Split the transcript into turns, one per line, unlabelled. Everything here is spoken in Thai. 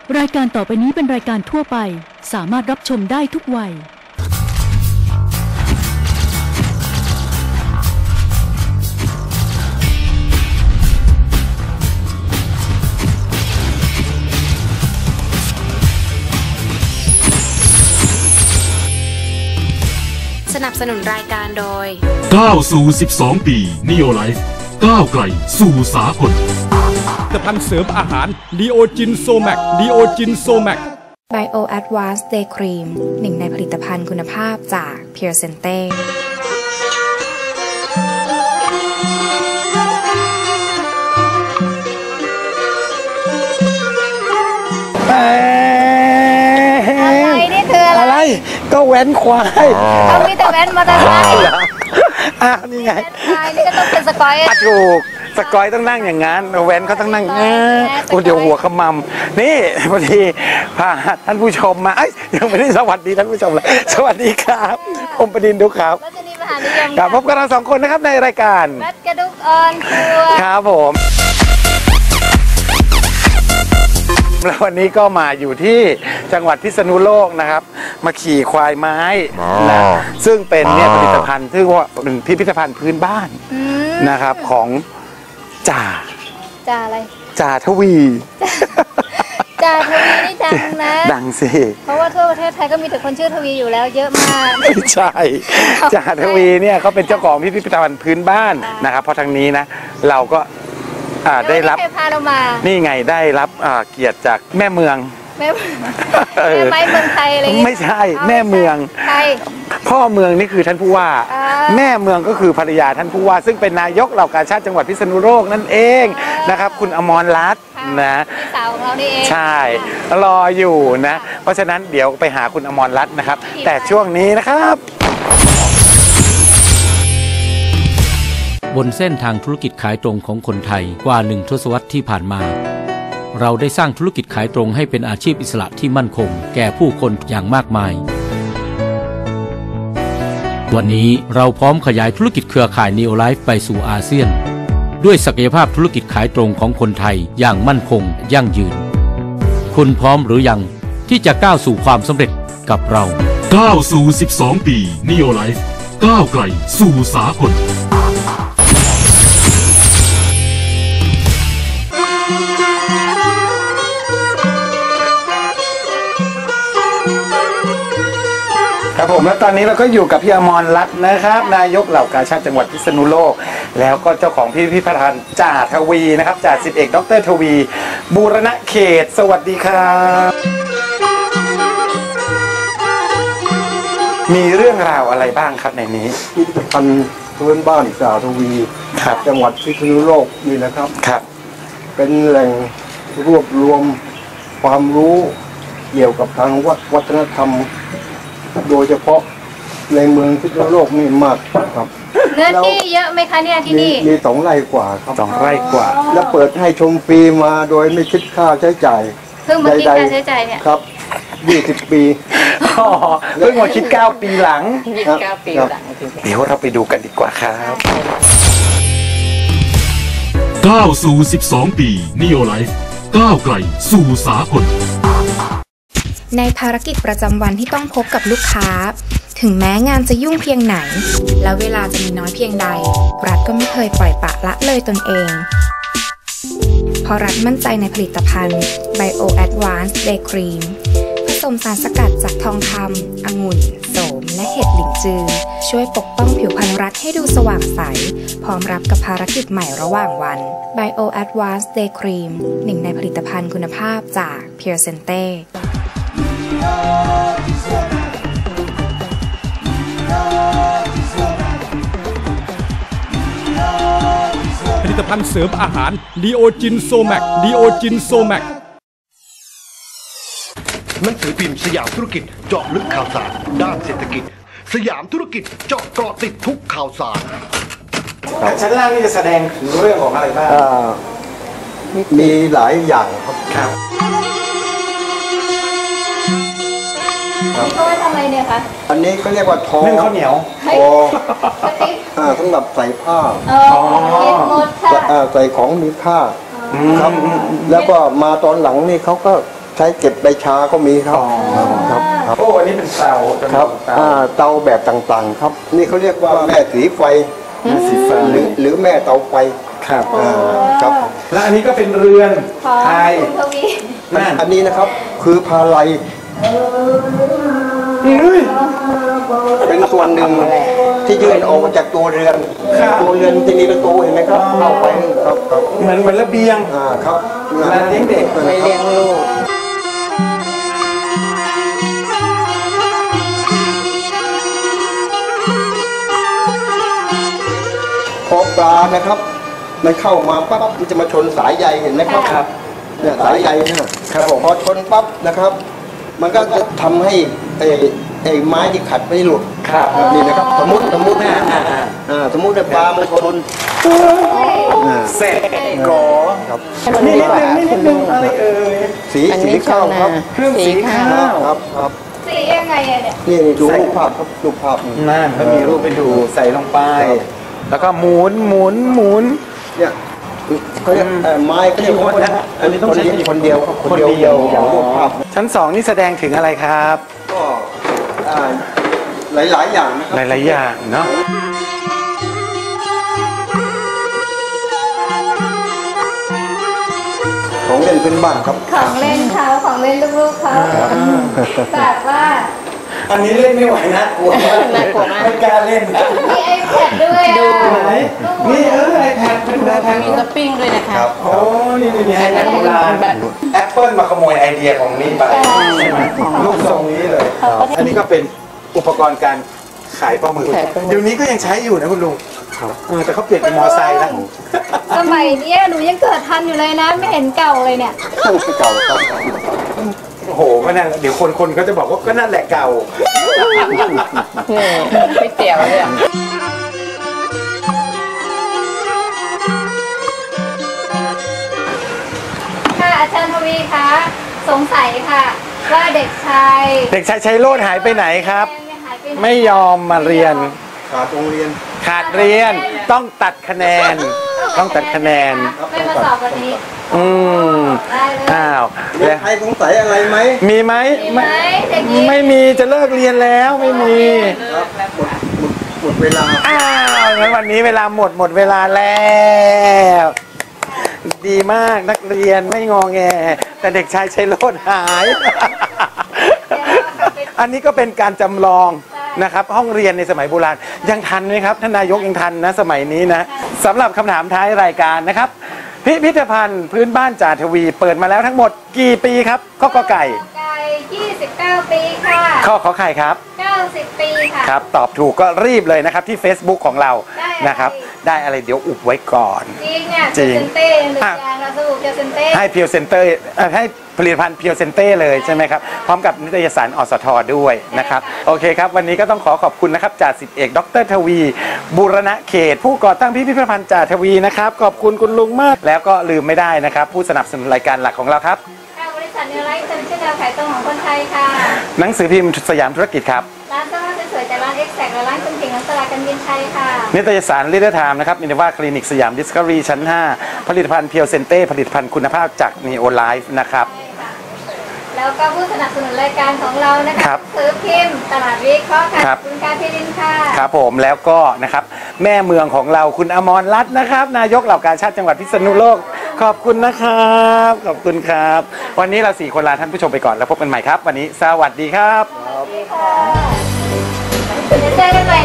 รายการต่อไปนี้เป็นรายการทั่วไปสามารถรับชมได้ทุกวัย
สนับสนุนรายการโดย
ก้าวสู่12 ปี Neo Life ก้าวไกลสู่สากล
ผลิตภัณฑ์เสริมอาหารดีโอจินโซแมกดีโอจินโซแมก
Bio Advanced Day Cream หนึ่งในผลิตภัณฑ์คุณภาพจาก Pure Sente
อะไรนี่คืออะไร
ก็แว้นควาย
เขามีแต่แว้นมอเตอร์ไซค์
นี่ไง
นี่ก็ต้องเป็นสกอย
ถูกสกอยต้องนั่งอย่างนั้นแว้นเขาต้องนั่งเดี๋ยวหัวขมำนี่พอดีพาท่านผู้ชมมายังไม่ได้สวัสดีท่านผู้ชมเลยสวัสดีครับผมประดินดุครับพบกับเรา2 คนนะครับในรายการ
แบทกระดุกออนทัวร์
ครับผมแล้ววันนี้ก็มาอยู่ที่จังหวัดพิษณุโลกนะครับมาขี่ควายไม้นะซึ่งเป็นเนี่ยผลิตภัณฑ์ที่ว่าเป็นพิพิธภัณฑ์พื้นบ้านนะครับของจ่า
อะไร
จ่าทวี
จ่าทวีนี่ดังนะ
ดังสิ
เพราะว่าทั่วประเทศไทยก็มีแต่คนชื่อทวีอยู่แล้วเยอะมาก
ไม่ใช่จ่าทวีเนี่ยเขาเป็นเจ้าของพิพิธภัณฑ์พื้นบ้านนะครับเพราะทางนี้นะเราก็ได้รับนี่ไงได้รับเกียรติจากแม่เมือง
แม่ไม้เมืองไทยอะไร
ไม่ใช่แม่เมืองพ่อเมืองนี่คือท่านผู้ว่าแม่เมืองก็คือภรรยาท่านผู้ว่าซึ่งเป็นนายกเหล่ากาชาดจังหวัดพิษณุโลกนั่นเองนะครับคุณอมรรัตน์นะ
สาวของเรานี่เอง
ใช่รออยู่นะเพราะฉะนั้นเดี๋ยวไปหาคุณอมรรัตน์นะครับแต่ช่วงนี้นะครับ
บนเส้นทางธุรกิจขายตรงของคนไทยกว่า1 ทศวรรษที่ผ่านมาเราได้สร้างธุรกิจขายตรงให้เป็นอาชีพอิสระที่มั่นคงแก่ผู้คนอย่างมากมายวันนี้เราพร้อมขยายธุรกิจเครือข่าย Neo Life ไปสู่อาเซียนด้วยศักยภาพธุรกิจขายตรงของคนไทยอย่างมั่นคงยั่งยืนคุณพร้อมหรือยังที่จะก้าวสู่ความสำเร็จกับเรา
ก้าวสู่12 ปี Neo Life ก้าวไกลสู่สากล
ครับผมแล้วตอนนี้เราก็อยู่กับพี่อมรรัตน์นะครับนายกเหล่ากาชาดจังหวัดพิษณุโลกแล้วก็เจ้าของพิพิธภัณฑ์จ่าทวีนะครับจ่าสิบเอกดร.ทวีบูรณเขตสวัสดีครับมีเรื่องราวอะไรบ้างครับในนี้
พิพิธภัณฑ์พื้นบ้านจ่าทวีจังหวัดพิษณุโลกนี่นะครับเป็นแหล่งรวบรวมความรู้เกี่ยวกับทางวัฒนธรรมโดยเฉพาะในเมืองพิษณุโลกนี่มากครับ
เนื้อที่เยอะไหมคะเนี่ยที่นี่
มี2 ไร่กว่าครับ
2 ไร่กว่า
แล้วเปิดให้ชมฟรีมาโดยไม่คิดค่าใช้จ่าย
เพิ่งมาคิดค่าใช้จ่ายเนี่ย
ครับ20 ปี
เพิ่งมาคิด9 ปีหลัง
9 ปีหลัง
เดี๋ยวเราไปดูกันดีกว่าครับ
ก้าวสู่12 ปี Neo Life ก้าวไกลสู่สากล
ในภารกิจประจำวันที่ต้องพบกับลูกค้าถึงแม้งานจะยุ่งเพียงไหนและเวลาจะมีน้อยเพียงใดรัฐก็ไม่เคยปล่อยปละละเลยตนเองเพราะรัฐมั่นใจในผลิตภัณฑ์ Bio Advanced Day Cream ผสมสารสกัดจากทองคำองุ่นโสมและเห็ดหลินจือช่วยปกป้องผิวพรรณรัฐให้ดูสว่างใสพร้อมรับกับภารกิจใหม่ระหว่างวัน Bio Advanced Day Cream หนึ่งในผลิตภัณฑ์คุณภาพจาก Pure Sente
ผลิตภัณฑ์เสริมอาหารดีโอจินโซแมกดีโอจินโซแมก
หนังสือพิมพ์สยามธุรกิจเจาะลึกข่าวสารด้านเศรษฐกิจสยามธุรกิจเจาะเกาะติดทุกข่าวสาร
ชั้นล่างนี่จะแสดงถึงเรื่องของอะไรบ้าง
มีหลายอย่างครับ
เขาไว้ทำอะไรเนี่ยคะ
อันนี้ก็เรียกว่าทอ
นึ่งข้าวเหนียว
สำหรับใส่ผ้า
หมดค่ะ
ใส่ของมีค่าครับแล้วก็มาตอนหลังนี่เขาก็ทใช้เก็บใบชาก็มีครับครับครับ
โอ้อันนี้เป็นเตา
ครับเตาแบบต่างๆครับนี่เขาเรียกว่าแม่สีไฟหรือแม่เตาไฟ
ครับ
ครับ
และอันนี้ก็เป็นเรือนไทย
อันนี้นะครับคือพาลัยเป็นส่วนหนึ่งที่ยื่นออกมาจากตัวเรือนที่มีประตูเห็นไหมครับเข้าไปครับ
เหมือนระเบียง
ครับ
เลี้ยงเด็ก
ไม่เลี้ยงลูก
พอปลานะครับมันเข้ามาปั๊บมันจะมาชนสายใยเห็นไหมครับเนี่ยสายใยนะครับพอชนปั๊บนะครับมันก็จะทำให้ไอ้ไม้ที่ขัดไม่หลุดนี่นะครับสมมติสมมติปลามันชน
เสร็จก่อนี่นิดนึงอะไรเอ่ย
สีข้าวครับ
เครื่องสีข้าว
ครับ
สียังไงเนี่ย
นี่ดูรูปภาพครับรูปภาพ
นั่นก็มีรูปไปดูใส่ลงไปแล้วก็หมุน
เนี่ยเขาเรียกไม้ก็เรียกคนนะอันนี้ต้องใช้คนเดียวอย่างรูปภาพ
ชั้น2นี่แสดงถึงอะไรครับ
ก็หลายอย่างนะครับ
หลายอย่างเนาะ
ของเล่นเป็นบ้านครับ
ของเล่นเขาของเล่นลูกๆเขาแต่ว่า
อันนี้เล่นไม่ไหวนะกลัวไม่กล้าเล่น
มี iPad ด้วย
นี่iPad เป็นแบบ
มีสปริงด้วยนะคะ
โอ้นี่iPad โบราณ Apple มาขโมยไอเดียของนี่ไปลูกทรงนี้เลยอันนี้ก็เป็นอุปกรณ์การขายปลาหมึกเดี๋ยวนี้ก็ยังใช้อยู่นะคุณลุงแต่เขาเปลี่ยนเป็นมอไซค์แล้ว
สมัยนี้หนูยังเกิดทันอยู่เลยนะไม่เห็นเก่าเลยเนี่ย
เก่าครับ
โอ้โหก็นั่นเดี๋ยวคนก็จะบอกว่าก็นั่นแหละเก่า
ไม่เตี๋ยวเลย
ค่ะอาจารย์ทวีคะสงสัยค่ะว่าเด็กชาย
ชัยโรจน์หายไปไหนครับไม่ยอมมาเรียน
ขาดเ
รียนต้องตัดคะแนน
ไม่มาสอบวันนี้
อ้าว
ใครสงสัยอะไรไหม
มีไหมไม่มีจะเลิกเรียนแล้วไม่มี
หมดเวลา
งั้นวันนี้เวลาหมดเวลาแล้วดีมากนักเรียนไม่งอแงแต่เด็กชายชัยโรจน์หายอันนี้ก็เป็นการจำลองนะครับห้องเรียนในสมัยโบราณยังทันไหมครับท่านนายกยังทันนะสมัยนี้นะสำหรับคำถามท้ายรายการนะครับพิพิธภัณฑ์พื้นบ้านจ่าทวีเปิดมาแล้วทั้งหมดกี่ปีครับข้อกอไก่
29 ปีค่ะ
ข้อขอไข่ครับ
90 ปีค่ะ
ครับตอบถูกก็รีบเลยนะครับที่ Facebook ของเรานะครับได้อะไรเดี๋ยวอุบไว้ก่อน
จริงอ่ะจริงเราสรุปเซนเต้
ให้เพียวเซนเตอร์ให้ผลิตภัณฑ์เพียวเซนเต้เลยใช่ไหมครับพร้อมกับนิตยสารอสทด้วยนะครับโอเคครับวันนี้ก็ต้องขอบคุณนะครับจ่าสิบเอกดร.ทวีบูรณะเขตผู้ก่อตั้งพิพิธภัณฑ์จ่าทวีนะครับขอบคุณคุณลุงมากแล้วก็ลืมไม่ได้นะครับผู้สนับสนุนรายการหลักของเราครับ
บริษัทนิวไลฟ์เป็นชื่อแนวขายตรงของคนไทยค่ะ
หนังสือพิมพ์สยามธุรกิจครับ
ร้านเสื้อผ้าสวยๆจากร้าน Exact และร้านคุณผิงน้ำสลากันบินไทยค่ะ
นิตยสารลีดเดอร์ไทม์นะครับมินว่าคลินิกสยามดิสคัฟเวอรี่ชั้น5ผลิตภัณฑ์เพียวเซนเต้ผลิตภัณฑ์คุณภาพจากนีโอไลฟ์นะครับ
แล้วก็ผู้สนับสนุนรายการของเรานะคะซื้อพิมพ์ตลาดวิเคราะห์ค่ะคุณการพิรินค่ะ
ครับผมแล้วก็นะครับแม่เมืองของเราคุณอมรรัตน์นะครับนายกเหล่ากาชาติจังหวัดพิษณุโลกขอบคุณนะครับขอบคุณครับวันนี้เรา4คนลาท่านผู้ชมไปก่อนแล้วพบกันใหม่ครับวันนี้สวัสดีครับ
จะเจอกันใหม่